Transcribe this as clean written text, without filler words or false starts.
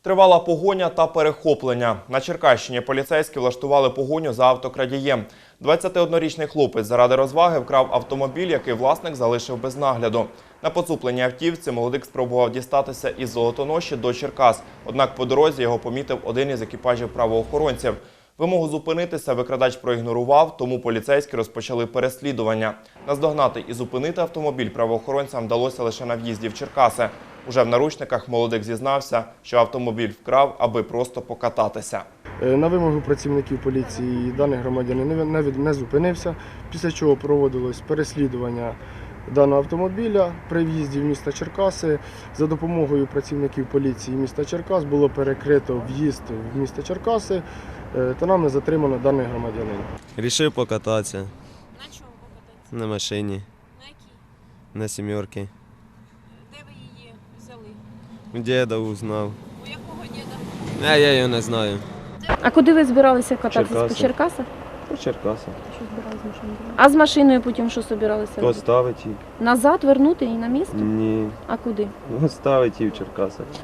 Тривала погоня та перехоплення. На Черкащині поліцейські влаштували погоню за автокрадієм. 21-річний хлопець заради розваги вкрав автомобіль, який власник залишив без нагляду. На поцупленій автівці молодик спробував дістатися із Золотоноші до Черкас. Однак по дорозі його помітив один із екіпажів правоохоронців. Вимогу зупинитися викрадач проігнорував, тому поліцейські розпочали переслідування. Наздогнати і зупинити автомобіль правоохоронцям вдалося лише на в'їзді в Черкаси. Уже в наручниках молодик зізнався, що автомобіль вкрав, аби просто покататися. На вимогу працівників поліції даний громадянин не зупинився, після чого проводилось переслідування даного автомобіля при в'їзді в місто Черкаси. За допомогою працівників поліції міста Черкас було перекрито в'їзд в місто Черкаси та нами затримано даний громадянин. Рішив покататися. На чому покататися? На машині, На якій? на сімерки. Де ви її взяли? У діда узнав. У якого діда? А я його не знаю. А куди ви збиралися кататися? Черкаси. По Черкасах? По Черкасах. Що збиралися з машиною? А з машиною потім що збиралися робити? Поставить її. Назад вернути і на місце? Ні. А куди? Ставить її в Черкасах.